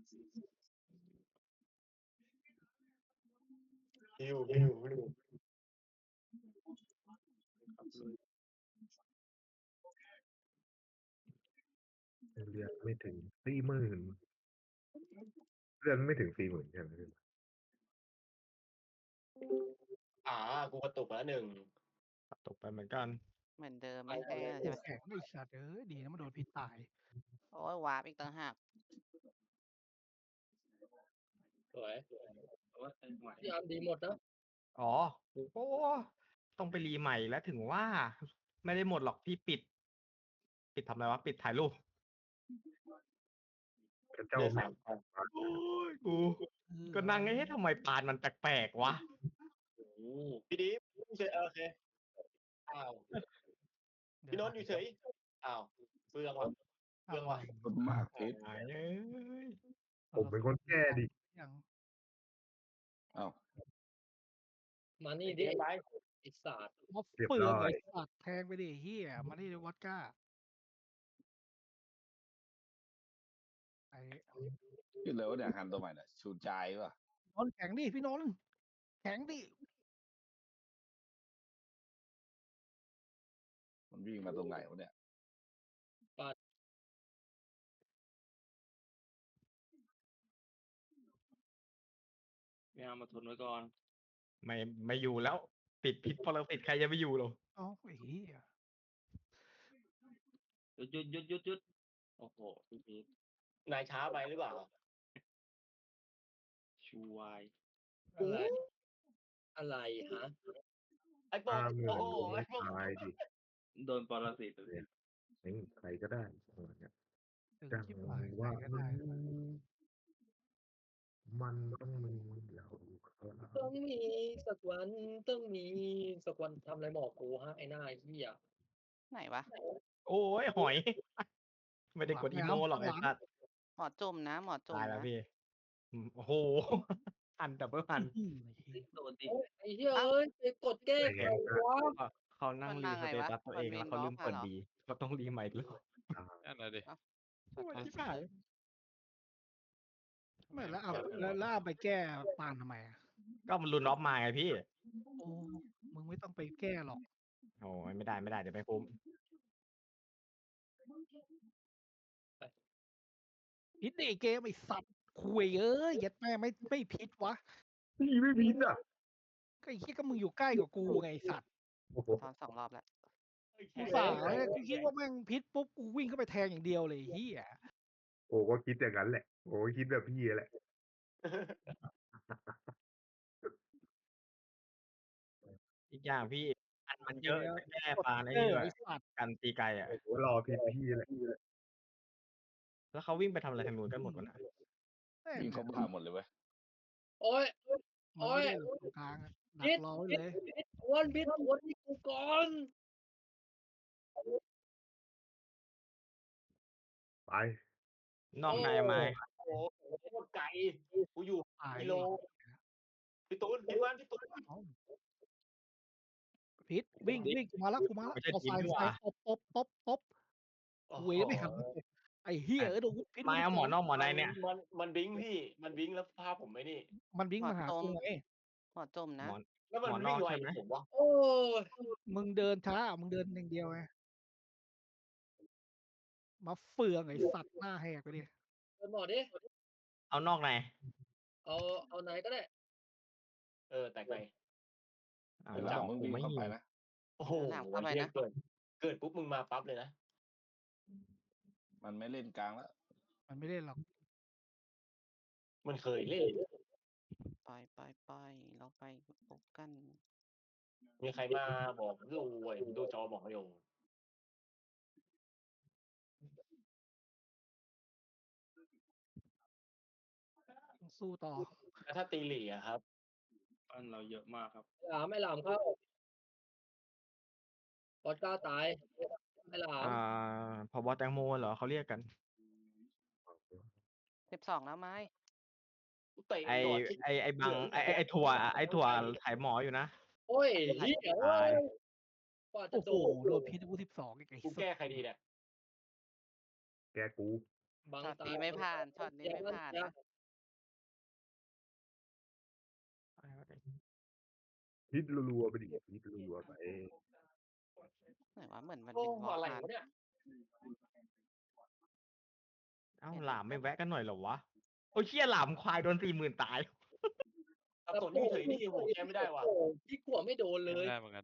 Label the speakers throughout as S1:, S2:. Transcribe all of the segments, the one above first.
S1: ฮิว
S2: เลือดไม่ถึง40,000เลือดไม่ถึง40,000ใช่ไหม
S1: กูกระตุกแล้วหนึ่ง
S3: ตกไปเหมือนกัน
S4: เหมือนเดิมไม่แก้ใช่ไหม
S5: แข็งไอ้สัตว์ดีนะมันโดนพิษตาย
S4: โอ้ยวาร์ปอีกต่างหาก
S1: สวย
S6: พี่อาร์มดีหมดนะ
S3: อ๋อโอ้ต้องไปรีใหม่แล้วถึงว่า ไม่ได้หมดหรอกพี่ปิดทำอะไรวะปิดถ่ายรูป
S2: พระเจ้า
S1: เลือด
S2: แม่
S1: สามพัน
S3: โอ้ยกูก็นั่งทำไมปานมันแปลกๆวะ
S1: พี่ดีเฉยโอเคอ้าวพี่โนนท์อยู่เฉยอ้าวเฟืองว่ะเฟืองว่ะ
S7: คนมากพิษ
S3: หายเอ้ย
S2: ผมเป็นคนแก้ดิ
S5: ยัง
S7: อ้าว
S6: มานี่ดิ
S1: เดี๋ยวไป
S6: ไอ้สัตว์
S5: มาเปลืองไอ้สัตว์แทงไปดิเฮียมาที่วอดก้าไอ้
S7: ขึ้นเลยวะเนี่ยฮันตัวใหม่เนี่ยชูใจป่ะ
S5: นนท์แข็งดิพี่นนท์แข็งดิ
S7: มันวิ่งมาตรงไหนวะเนี่ย
S8: ไม่เอามาทนไว้ก่อน
S3: ไม่อยู่แล้วติดพิษปรสิตใครจะไปอยู่หรอ
S5: เอ้าไอ้เฮีย
S8: หยุดโอ้โหพี่พีท
S1: นายช้าไปหรือเปล่า
S8: ชูวาย
S6: อะไรอะไรฮะ
S1: ไอ้โป๊ะ
S2: 50,000
S1: โอ้โหไอ้โป๊ะ
S2: ตายดิ
S8: โดนปรสิตเลย
S2: ใครก็ได้ประมาณเนี้ย
S5: ตึง
S2: จัง
S5: ชิบหาย
S2: ว่า
S5: ใครก็ได้
S2: มันต้องมีเราครับ
S6: ต้องมีสักวันต้องมีสักวันทำอะไรบอกกูฮะไอ้หน้าเหี้ย
S4: ไหนวะ
S3: โอ้ยหอย ไม่ได้กดอีโมหรอกไอ้สัตว์
S4: หมอจุ่มนะหมอจุ่ม
S3: ตายแล้ว
S4: นะ
S3: พี่โอ้โหอันดับเบิลพัน
S8: โดนดิ
S6: ไอ้เหี้ยเอ้ยไปกดแก้ใครวะ
S3: เขานั่งรีสเตตัสตัวเองแล้วเขาลืมเปิดดีเขาต้องรีใหม่อีกรอบ
S9: นั่นแหละดิ
S3: โอ้ยชิบหาย
S5: ไม่แล้วเอาแล้วเอาไปแก้ปานทำไมอ่ะ
S3: ก็มันรุนออฟมาไงพี่
S5: โอ้มึงไม่ต้องไปแก้หรอก
S3: โอ้ยไม่ได้เดี๋ยวไม่คุ้ม
S5: พิษดิเกมไอ้สัตว์คุยยัดแม่ไม่พิษวะ
S2: พี่ไม่พิษอ่ะ
S5: ก็ไอ้เหี้ยก็มึงอยู่ใกล้กว่ากูไงไอ้สัตว์
S2: โอ้โห
S4: ตอน2 รอบแล้ว
S5: กูสายกูคิดว่าแม่งพิษปุ๊บกูวิ่งเข้าไปแทงอย่างเดียวเลยไอ้เฮีย
S2: โอ้ก็คิดอย่างนั้นแหละโอ้คิดแบบพี่แหละ
S3: อีกอย่างพี่อันมันเยอะแก้ปลาใน
S5: เอ
S3: นี่
S5: อ
S3: ด้วย
S5: ไอ้สัตว์
S3: กันตีไกลอ่ะ
S2: โอ้โหรอพี่แหละ
S3: แล้วเขาวิ่งไปทำอะไรทางนู้นกันหมดวะนะ
S7: วิ่งเข้าบ้าหมดเลยเว้ย
S6: โอ้ย
S5: มันไม่ได้หรอกตรงกลางอะดักรอไว้เลย
S6: พิษทวนนี่กูก่อน
S2: ไป
S3: นอกในมา
S1: โอ้โหโคตรไกลกูอยู่
S5: ตาย
S1: กิโลพี่ตูนพี่ตูน
S5: พิษวิ่งกูมาแล้วเอาไฟตบเวยไม่หันไอ้เฮียโดนพิษ
S3: มาเอาหมอนอกหมอในเนี่ย
S1: มันบิงพี่มันบิงแล้วภาพผมไม่นี่
S5: มันวิ่งมาหากูไง
S4: หมอจุ่มนะ
S3: หมอน
S1: แล้วมัน
S3: หมอนอก
S1: วิ่งไว
S3: ใช่ไหม
S1: ผมวะ
S6: โอ้ย
S5: มึงเดินช้ามึงเดินอย่างเดียวไงมาเฟืองไอ้สัตว์หน้าแหกไปดิ
S6: เดินหมอดิ
S3: เอานอกใน
S6: เอาไหนก็ได้
S1: แต่ไกล
S3: อ่า
S7: หลังมึงวิ่งเข้าไปนะ
S1: โอ้โห
S4: หลังเข้าไปนะ
S1: เกิดปุ๊บมึงมาปั๊บเลยนะ
S7: มันไม่เล่นกลางแล้ว
S5: มันไม่ได้หรอก
S1: มันเคยเล่น
S4: ไปเราไปพบกัน
S1: มีใครมาบอกดูจอบอกไม่ยง
S5: สู้ต่อ
S1: แล้วถ้าตีหลี่อะครับ
S8: บ้านเราเยอะมากครับ
S6: ไม่หลามครับปอดก้าตายไม่หลาม
S3: พบแตงโมเหรอเขาเรียกกัน
S4: 12แล้วไหม
S1: เตะ
S3: ไอ
S1: ก่อนที่
S3: ไอบังไอถั่วถ่ายหมออยู่นะ
S6: โอ้ยเหี้ย
S3: ตาย
S6: กว่าจะ
S5: โอ้โห
S6: โดน
S5: โดนพิษกู12ไอ้
S1: กู
S5: สั
S1: แก้
S5: ตว์
S1: ใครดีเนี่ย
S2: แกกู
S6: บัง
S4: ช็อต
S6: ตา
S4: นี้ไม่ผ่านช็อตนี้ไม่ผ่านนะ
S2: ฮิตรัวๆไปดิฮิตรัวๆไป
S4: ไหนวะเหมือนมัน
S6: โอ้
S4: บินวอล์ก
S6: อะไร
S4: มาว
S6: ะเนี่ย
S3: เอ้าหลามไม่แวะกันหน่อยเหรอวะโอ้ยเชี่ยหลามควายโดน40,000ตาย
S1: สับสนอยู่เฉยนี่โหแก้ไม่ได้ว่ะ
S6: โอ้โหพี่กลัวไม่โดนเลย
S9: ได้เหมือนกัน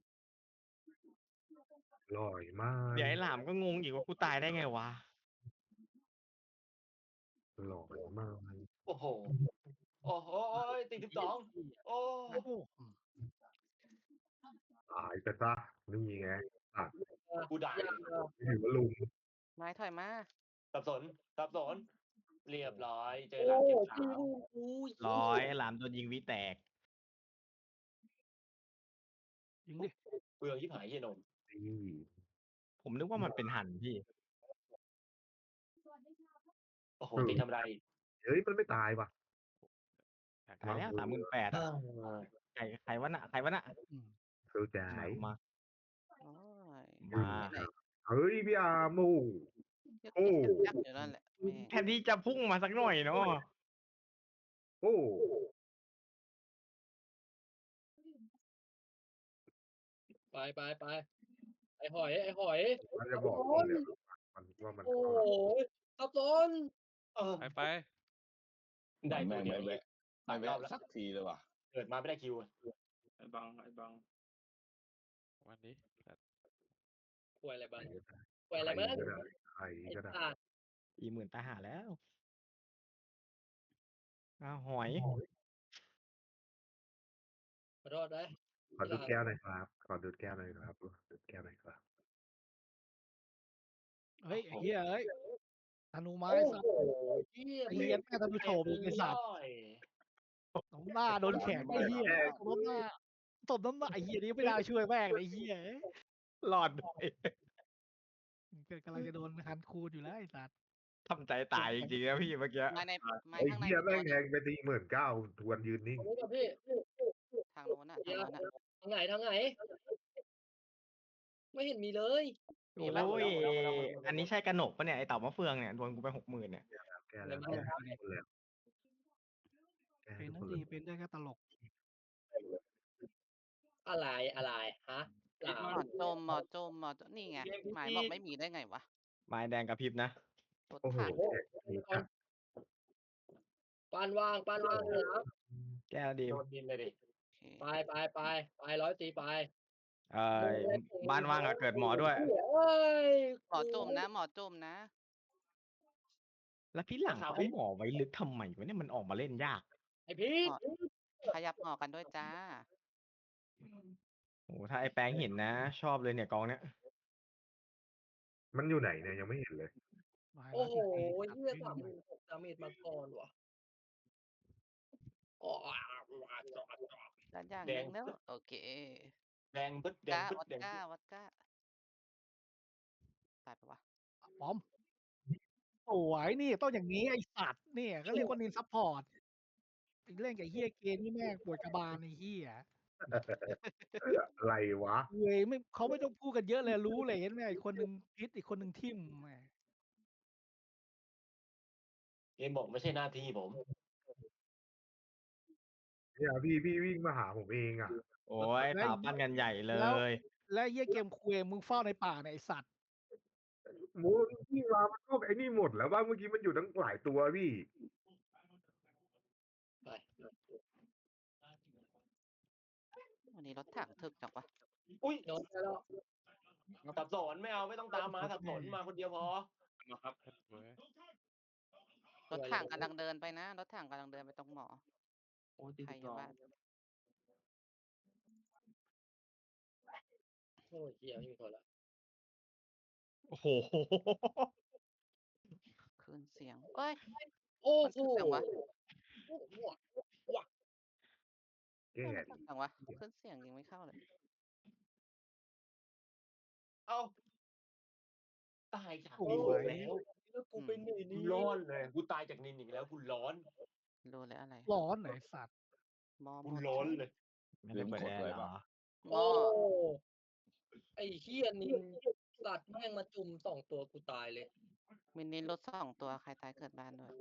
S2: ลอยมาก
S3: เดี๋ยวไอ้หลามก็งงอีกว่ากูตายได้ไงวะ
S2: ลอยมาก
S1: โอ้โหโอ้โหตี12โอ้
S5: โอ้โห
S2: ตายไปซะนี่ไงตัด
S1: กูด่า
S2: ถือว่าลุง
S4: ไม้ถอยมา
S1: สับสนเรียบร้อยเจอ
S6: โอ้
S1: หลานเจ็บ
S6: พี่
S1: สาว
S6: อู้ย
S3: ร้อยไอ้หลามโดนยิงวิแตก
S5: ยิงดิ
S1: เปลืองยิบหายเฮียนม
S2: นี่
S3: ผมนึกว่ามันเป็นหันพี่
S1: โอ้โหตีทำไร
S2: เฮ้ยมันไม่ตายว่ะ
S3: ตายแล้ว38,000อะใครวะน่ะใครวะน่ะ
S5: อืม
S2: เข้าใจ
S3: มา
S4: โอ้ย
S3: มา
S4: ไหน
S2: เฮ้ยพี่อาร์มโอ้
S4: ยึก
S2: โอ้
S4: ยักอยู่นั่นแหละแม่ง
S3: แทนที่จะพุ่งมาสักหน่อยเนาะ
S2: โอ้
S6: ไปไอ้หอย
S2: มันจะบอกผมเลยมันว่ามัน
S6: โอ้โหซับซ้อน
S1: เออ
S9: ไป
S1: ได้
S7: แม่ง
S1: เดียว
S7: ไม่แวะไม่แวะสักทีเลยว่ะ
S1: เกิดมาไม่ได้คิว
S8: ไอ้บัง
S9: วันนี้
S6: กลัวอะไรบ้าง
S2: ใค
S6: กลัวอะไร
S2: ร
S6: บ้าง
S2: ก็ได้ใคร
S6: ไอ้
S2: ก็ได้
S6: สัตว์
S3: 40,000ตายหาแล้วอ้าวหอย
S6: ขอโทษนะ
S2: ขอดูดแก้วหน่อยครับขอดูดแก้วหน่อยครับดูดแก้วหน่อยครับ
S5: เฮ้ยไอ้เหี้ยเอ้ยธนูไม้
S6: โอ้
S5: สัต
S6: โห
S5: ว์
S6: เหี้ย
S5: ไอ้เหี้ยแม่ธนูโฉบไอ้สัตว์
S1: ย่อย
S5: น้ำหน้าโดนแขนไอ้เหี้ยตบน้ำหน้าไอ้เหี้ยนี่ไม่ได้ช่วยแม่งเลยไอ้เหี้ย
S3: หลอดไป
S5: กำลังจะโดนคันคูดอยู่แล้วไอ้สัตว์
S3: ทำใจตายจริงๆนะพี่เมื่อกี้
S4: ไม้ในไม้
S2: ไอ้
S4: ข้างใน
S2: เหี้ย
S4: มี
S2: แม่
S4: ตัว
S2: ง
S4: ห
S2: แท
S4: นึ่ง
S2: งไป49,000ทวนยืนนิ่ง
S6: ขอโทษนะพี่
S4: ทางโน้นอ่ะทางโน้นอ่ะ
S6: ทางไหน ไม่เห็นมีเลย
S3: โอ้ยอันนี้ใช่กระหนกปะเนี่ยไอเต่ามะเฟืองเนี่ยโดนกูไป60,000เนี่ย
S2: แก้แล้ว
S6: ไม่
S2: แก้
S6: ได้
S2: ทุกคนแล้วแก้
S5: เป็น
S2: ทุก
S5: นั่
S2: คน น
S5: ดี
S2: แล้ว
S5: เป็นได้แค่ตลก
S6: อะไรฮะหลา
S4: หม
S6: ม
S4: อจมนี่ไงหมายบอกไม่มีได้ไงวะ
S3: ไม้แดงกระพริบนะ
S4: รถ
S2: โอ้โห
S4: ถัง
S2: แก้นี้จัด
S6: ปานว่างหลาม
S3: แก้วดี
S1: โดนดินเลยดิ
S4: โอเค
S6: ไป100ตีไป
S3: บ้านว่างอะเกิดหมอด้วย
S6: เอ้ย
S4: หมอจมนะ
S3: แล้วพี่หลังเขาหมอไว้ลึกทำไมวะเนี่ยมันออกมาเล่นยาก
S6: ไอพีท
S4: ขยับหมอกันด้วยจ้า
S3: โอ้ถ้าไอแป้งเห็นนะ ชอบเลยเนี่ยกองเนี้ย
S2: มันอยู่ไหนเนี่ยยังไม่เห็นเลย
S6: โอ้โห
S5: 140
S6: เหี้ย36,000ดาเมจมาก่อนว่ะอ๋อ
S4: ด้านอย่างหนึงแล้วโอเค
S1: แดงปึ๊ดแดง
S4: ก้า
S1: ปึ๊ด
S4: วัด
S1: แดง
S4: ก้า
S1: ปึ๊ด
S4: วัดก้าตายปะวะ
S5: ป้อมสวยนี่ต้องอย่างนี้ไอ้สัตว์เนี่ยก็เรียกว่านินซัพพอร์ตเล่นกับเฮียเกมนี่แม่งปวดกระบาลไอ้เฮีย
S2: อะไรวะ
S5: เว้ยไม่เขาไม่ต้องพูดกันเยอะเลยรู้เลยเห็นไหมอีกคนหนึ่งพิษอีกคนหนึ่งทิ่มแหม
S1: เกมบอกไม่ใช่หน้าที่ผม
S2: เนี่ยพี่วิ่งมาหาผมเองอ่ะ
S3: โอ้ยตาปั้นกันใหญ่เลย
S5: และเฮียเกมคุยมึงเฝ้าในป่าเนี่ยไอสัตว์
S2: หมูพี่มามันก็ไอ้นี่หมดแล้วว่าเมื่อกี้มันอยู่ตั้งหลายตัวพี่
S6: ไป
S4: วันนี้รถถังถึกจังวะ
S1: อุ้ย
S6: โดนไปแล้ว
S1: สับสนไม่เอาไม่ต้องตามมาสับสนมาคนเดียวพอ
S8: มาครับ
S9: เว้ย
S4: รถถังกำลังเดินไปนะรถถังกำลังเดินไปตรงหมอ
S8: โอ้ยตี
S4: ใครอยู่
S8: 12
S4: บ้าน
S6: โอ้ยเหี้ยไม่มีคนละ
S3: โอ้โห
S4: คืนเสียงเอ้ย
S6: โอ้
S4: มัน
S6: โห
S4: ขึ้นเสียงวะ
S2: แก้
S4: มัน
S2: ดิ
S4: ขึ้นเสียงวะขึ้นเสียงยังไม่เข้าเลย
S1: เอ้าตายจาก
S5: โอ้
S1: นิน
S5: ย
S1: อีกแล้ว
S6: แล้วกูเป็นหนี
S1: กู
S6: นี่
S1: ร้อนเลยกูตายจากนินอีกแล้วกูร้อน
S4: รู้เลยอะไร
S5: ร้อนไหนอยไอ้สัตว์
S4: หมอห
S1: กู
S4: มด
S1: ร้อนเลย
S3: ไม่ได้เปิดแอร์เหรอ
S4: หม
S6: โอ้
S4: อ
S6: ไอ้เหี้ยนินสัตว์แม่งมาจุ่ม2 ตัวกูตายเลย
S4: มินิรถ2 ตัวใครตายเกิดบ้านด้วย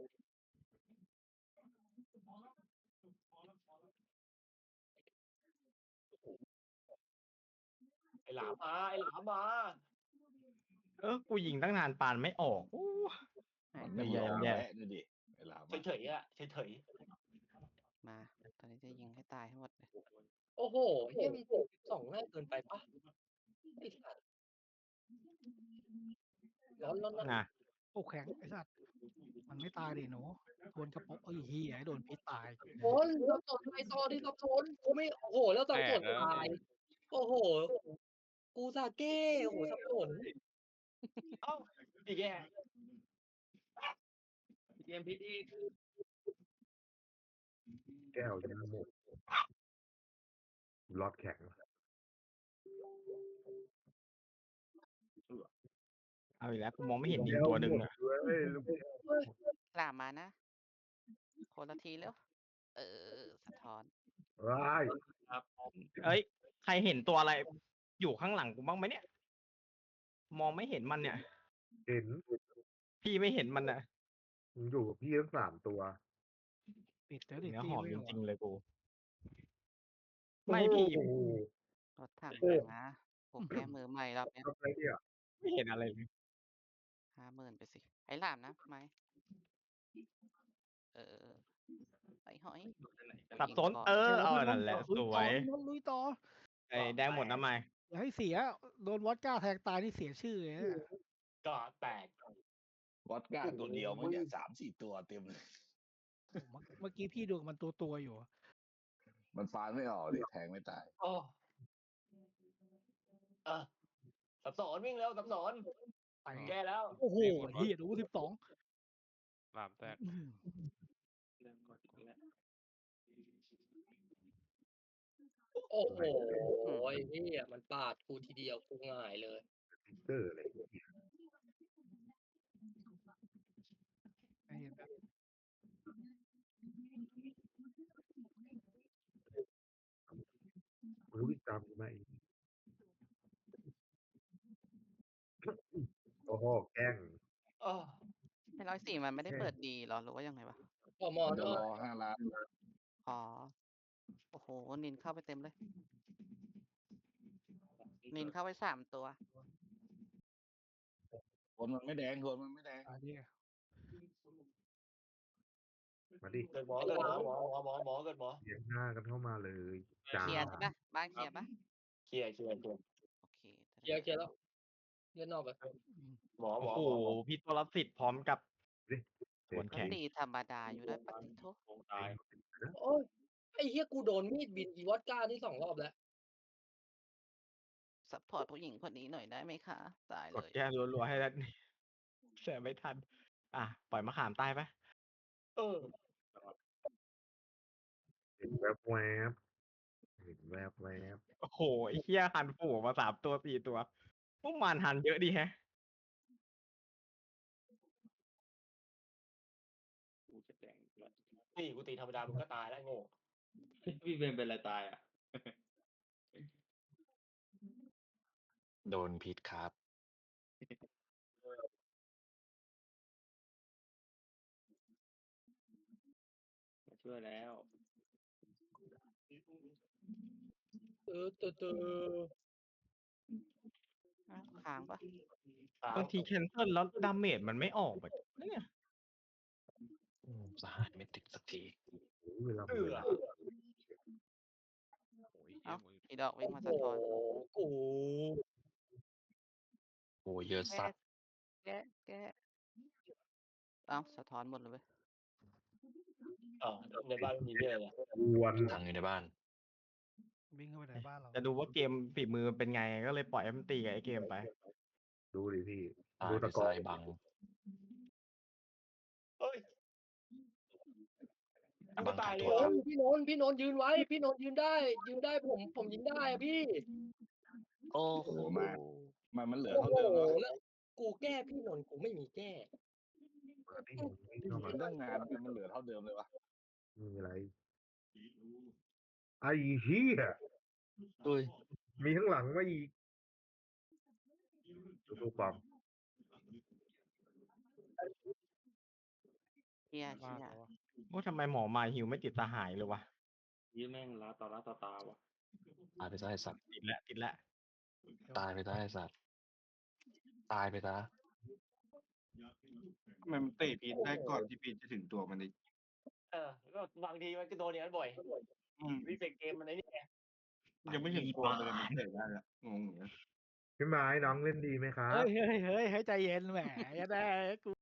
S1: ไอ้หลามมาไอ้หลามมา
S3: กูยิงตั้งนานปานไม่ออกโอ้
S7: มันไม่
S3: แย่
S7: ยอม
S3: แย่
S7: แพ้ดูดิเวลา
S1: เฉยๆอ่ะเฉย
S4: มาตอนนี้จะยิงให้ตายให้หมดเลย
S6: โอ้โหเฮียมัน12ง่ายเกินไปปะไอ้สัตว์ร้อน
S3: นะ
S5: โอ้แข็งไอ้สัตว์มันไม่ตายดิหนูโดนกระป๋องไอ้เหี้ยโดนพิษตาย
S6: โอนสับสนไอ้ตอที่สับสนกูไม่โอ้โหแล้วสับสนตายโอ้โหกูซาเก้โอ้โหสับสน
S1: ๆเอ้าอีกแก
S8: เกมพิษอีก
S2: แก้วยังหมดรอดแข็ง
S3: เอาอีกแล้วกูมองไม่เห็นยิงตัวหนึ่งอะ
S2: เว้ย
S4: หลามมานะคนละทีแล้วสะท้อน
S2: ว้าย
S3: เอ้ยใครเห็นตัวอะไร อยู่ข้างหลังกูบ้างไหมเนี่ย มองไม่เห็นมันเนี่ย
S2: เห็น
S3: พี่ไม่เห็นมันอะ
S2: มึงอยู่กับพี่ทั้ง3 ตัว
S5: ปิดแล้วดิ
S3: เนื้อ
S5: ตี
S3: หอม
S5: ไม่
S3: จ
S5: หรอ
S3: ริงๆเลยกู ไม่พี่
S2: โอ้โห
S4: รถถัง
S2: โอ้
S4: นะผมแก้มือใหม่รอบเนี้ย
S2: ทำอะไรเนี่ย
S3: ไม่เห็นอะไรเลย
S4: 50,000ไปสิไอ้หลามนะไหมไอ้หอย
S3: สับสน เอานั่นแหละ สวย
S5: ลุยต่อ
S3: ไอ้แดงหมดน้ำไม
S5: อย่าให้เสียโดนวอดก้าแทงตายนี่เสียชื่อเลยนะ
S1: ก็แตก
S7: วอดก้าตัวเดียวมันเนี่ย3-4 ตัวเต็มเลย
S5: เมื่อกี้พี่ดูมันตัวอยู่
S7: มันฟานไม่ออกดิแทงไม่ตาย
S1: โอ้สับสนวิ่งเร็วสับสน
S5: ไป
S1: แก้แล้ว
S5: โอ้โหเฮียดู12
S9: หลามแตก
S8: เริ่มกดอีกแล้ว
S6: โอ้โหไอ้เฮียมันปาดกูทีเดียวกูง่ายเลย
S2: ติ๊กเกอร์อะไรเนี่ย
S5: เห็นแบบ
S2: มึงวิ่งตามกูมาอีกโอ้โหแกล้ง
S1: โอ้
S4: ไอ้104มันไม่ได้เปิดดีเหรอหรือว่ายังไงวะ
S6: พอมอ
S7: มันจะ
S6: ด้วย
S7: รอ5 ล้าน
S4: อ๋อโอ้โหนินเข้าไปเต็มเลย นินเข้าไป3 ตัว
S7: คนมันไม่แดงคนมันไม่แดง
S5: อันนี้
S2: มาดิ
S1: เกิดหมอเกิดหมอหมอเกิดหมอ
S2: เลี้ยงหน้ากันเข้ามาเลยจ้า
S4: เคลียร์ใช่ปะบ้านเคลียร์ปะ
S1: เคลียร์
S4: โอเค
S6: เคลียร์แล้วเล่นนอกไป
S1: หมอ
S3: โอ้โห พี่ตัวละ10พร้อมกับ
S2: ดิ
S3: ส่วน
S4: ก็
S3: แข็ง
S4: ตีธรรมดาอยู่ได้ปฏิทุ
S8: วงตาย
S6: โอ้ยไอ้เฮียกูโดนมีดบินอีวอดก้านี่2 รอบแล้ว
S4: ซัพพอร์ตผู้หญิงคนนี้หน่อยได้ไหมคะตาย
S3: ก
S4: เล
S3: ด
S4: ย
S3: แก้รัวๆให้แล้วนี่แสบไม่ทัน อ่ะ ปล่อยมะขามตายไป
S2: เห็นแวบแวบเห็นแวบแวบ
S3: โอ้โหไอ้เหี้ยหันฝูมา3 ตัว 4 ตัว พวกมันหันเยอะดีแฮะ
S8: กูจะแดงอีกแล้ว
S1: ตีกูตีธรรมดามึงก็ตายแล้วโง่
S8: พี่เบนเป็นอะไรตายอ่ะ
S10: โดนพิษครับ
S8: มาช่วยแล้ว
S4: อ้าวค้างปะ
S3: บางทีแคนเซิลแล้วดาเมจมันไม่ออกแบบเนี่ย
S10: สหายไม่ติดสักที
S2: โอ้ยเวลา
S1: เอือ
S10: โอ้ย
S4: เอ้าอีดอกวิ่งมาสะท้อน
S6: กู
S10: โอ้ยเยอะสัตว์
S4: แกะเอ้าสะท้อนหมดเลยเว้ย
S1: ในบ้านมีเยอะเลย
S2: วน
S10: ทางอยู่ในบ้าน
S5: วิ่งเข้าไปในบ้านเรา
S3: จะดูว่าเกมฝีมือเป็นไง ก็เลยปล่อยให้มันตีกับไอ้เกมไป
S2: ดูดิพี่
S10: ตาย
S2: ดู
S10: ไป
S2: ตะกอ
S10: ซ้ายบัง
S1: เฮ้ย
S10: บัง
S1: ตาย
S10: ทำ
S1: เล
S10: โท
S1: ย
S10: ษ
S6: พี่นนท์ยืนไว้ พี่นนท์ยืนได้ผมยิงได้อะพี่
S10: โอ้โห
S7: มันเหลือ
S6: โอ้
S7: เท่า
S6: โห
S7: เดิมแล้ว
S6: แล้วกูแก้พี่นนท์กูไม่มีแก้
S2: เปิดที่วิ่งเข้ามา
S7: เป็นเรื่องงานมันเหลือเท่าเดิมเลยวะ
S2: มีอะไร ไอ้เหี้ย
S10: อุ้ย
S2: มีข้างหลังมาอีกดูปอม
S4: เชียร์
S9: ว่าแล้ววะ
S3: โอ้ทำไมหมอมาหิวไม่ติดตาหายเลยวะ
S8: ยี่แม่งล้าต่อตาวะ
S10: ตายไปซะไอ้สัตว์
S3: ติดแล้วติดแล้ว
S10: ตายไปซะไอ้สัตว์ตายไปซะ
S11: ทำไมมันเตะพีทได้ก่อนที่พีทจะถึงตัวมันอีก
S1: ก็บางทีมันก็โดนอย่างนั้นบ่อย
S11: อืม
S1: รีเฟกเกมมันไอ้นี่ไง
S11: ยังไม่ถึงตัวมันเลยมันเตะได้ละงงเหมือนกัน
S2: พี่ไม้น้องเล่นดีไหมครับ
S5: เฮ้ยใจเย็นแหมอย่าได้กู